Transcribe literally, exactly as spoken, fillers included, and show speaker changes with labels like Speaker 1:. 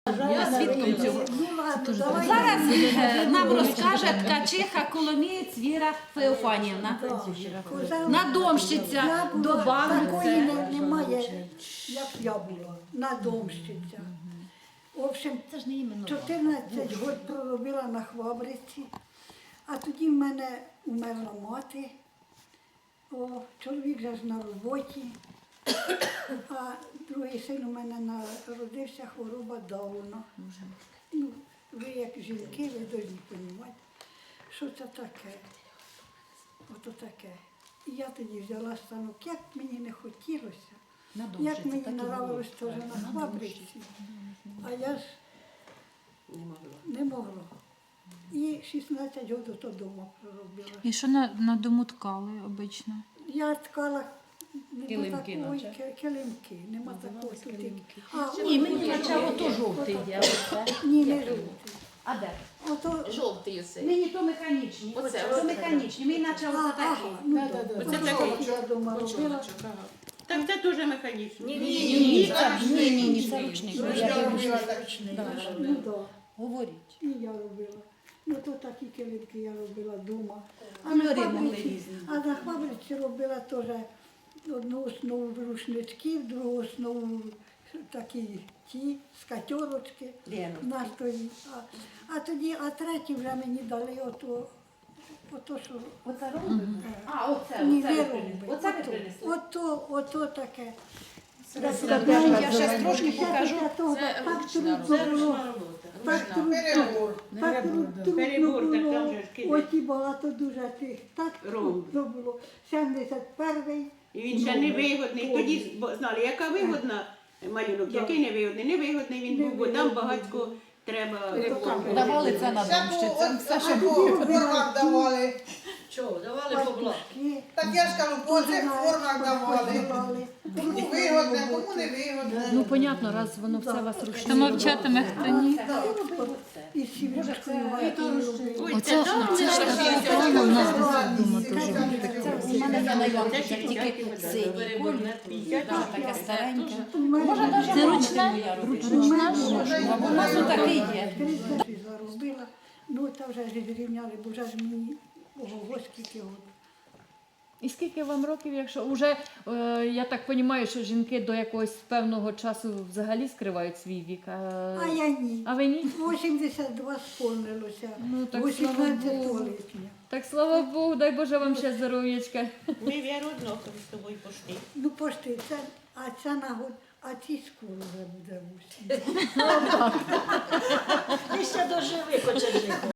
Speaker 1: Свідком цього. Зараз е, нам розкаже ткачиха Коломієць Віра Феофанівна. Надомщиця до
Speaker 2: Такої
Speaker 1: банки.
Speaker 2: не- немає, як я була, надомщиця. В общем, чотирнадцять років проробила на Хвабриці, а тоді в мене умерла мати, о, чоловік вже ж на роботі, а другий син у мене народився, хвороба Дауна. Ну, ви як жінки, ви повинні розуміти, що це таке. Ото таке. І я тоді взяла станок, як мені не хотілося, як мені нравилось теж на Хвабриці, а я ж не могла. І шістнадцять років то вдома проробила.
Speaker 3: І що на, на дому ткали обично?
Speaker 2: Я ткала нема
Speaker 1: Килимки
Speaker 2: такої,
Speaker 1: наче.
Speaker 2: ки- килимки, нема такої тут. А,
Speaker 1: Ні,
Speaker 2: о,
Speaker 1: мені
Speaker 2: о,
Speaker 1: начало
Speaker 2: о,
Speaker 1: то
Speaker 2: о,
Speaker 1: жовтий
Speaker 2: о,
Speaker 1: є. оце.
Speaker 2: Ні, не жовтий.
Speaker 1: А де?
Speaker 2: Ото,
Speaker 4: Жовтий оцей.
Speaker 1: Мені то механічні.
Speaker 4: Оце,
Speaker 1: Оце,
Speaker 4: оце.
Speaker 1: це механічні. Мені наче
Speaker 2: а,
Speaker 1: оце
Speaker 2: ага,
Speaker 1: такі.
Speaker 2: ну,
Speaker 4: Оце
Speaker 2: то
Speaker 4: такий.
Speaker 2: жовтий я дома робила.
Speaker 5: Так це дуже механічно.
Speaker 4: Ні,
Speaker 1: Ні,
Speaker 4: ні,
Speaker 1: ні, це ні, ні, ні, це ручник. Я
Speaker 2: Ну, да.
Speaker 1: Говоріть.
Speaker 2: І я робила. Ну, то такі килимки я робила вдома. А
Speaker 1: Кольори
Speaker 2: на
Speaker 1: могли
Speaker 2: фабриці,
Speaker 1: різні.
Speaker 2: а на фабриці робила теж одну основу рушничків, другу основу такі ті, скатерочки на столі. А, а тоді, а третій вже мені дали ото, ото що.
Speaker 1: Оце робите? А, оце,
Speaker 2: Ні,
Speaker 1: оце
Speaker 2: не
Speaker 1: ви
Speaker 2: робить.
Speaker 1: принесли. Оце ви
Speaker 2: Ото,
Speaker 1: принесли.
Speaker 2: ото, ото таке.
Speaker 1: Я ще трошки покажу.
Speaker 4: Це
Speaker 2: Так
Speaker 4: ручна
Speaker 2: трудно
Speaker 5: Це
Speaker 2: було.
Speaker 5: ручна робота.
Speaker 2: Так трудно, так трудно
Speaker 5: Перебор, так там
Speaker 2: було.
Speaker 5: же ж кидають.
Speaker 2: Оті багато дуже тих. Так трудно було. сімдесят перший.
Speaker 5: І він ще невигодний. Тоді бо знали, яка вигодна малюнок, який невигодний. Невигодний він був, бо там багатько треба.
Speaker 1: Давали це надомщицям. Все, що
Speaker 2: тоді
Speaker 1: було.
Speaker 2: робила
Speaker 6: давали.
Speaker 4: Чого? Давали побла.
Speaker 2: пастушки.
Speaker 6: Так я ж кажу, по цих формах давали.
Speaker 2: Давали.
Speaker 6: Кому вигодне, кому не вигодне.
Speaker 3: Ну, понятно, раз воно все вас ручне. То мовчатиме хтоні.
Speaker 2: І з сім'ячкою гайкою робили.
Speaker 5: Ой,
Speaker 3: Оце,
Speaker 5: це
Speaker 3: оце ж така форма в нас десь вдома теж.
Speaker 1: У мене є на Іванківцях тільки синій колір. Так, таке стареньке. Може, навіть
Speaker 3: Це
Speaker 1: ручна?
Speaker 3: ручна?
Speaker 1: Ручна? У нас отакий є.
Speaker 2: тридцять заробила. Ну, та вже ж зрівняли, бо вже ж мені ого, скільки років.
Speaker 3: І скільки вам років, якщо вже, е, я так розумію, що жінки до якогось певного часу взагалі скривають свій вік. А,
Speaker 2: А я ні.
Speaker 3: а ви ні?
Speaker 2: вісімдесят два сповнилося.
Speaker 3: Ну, так, слава
Speaker 2: вісімнадцятого
Speaker 3: Богу.
Speaker 2: липня.
Speaker 3: Так, слава Богу, дай Боже вам ще здоров'ячка.
Speaker 5: Ми віру однакові з тобою пошли.
Speaker 2: Ну, пошти, це, а ця нагод, а ці скоро вже буде в усі.
Speaker 4: Ти ще доживи, кочежику.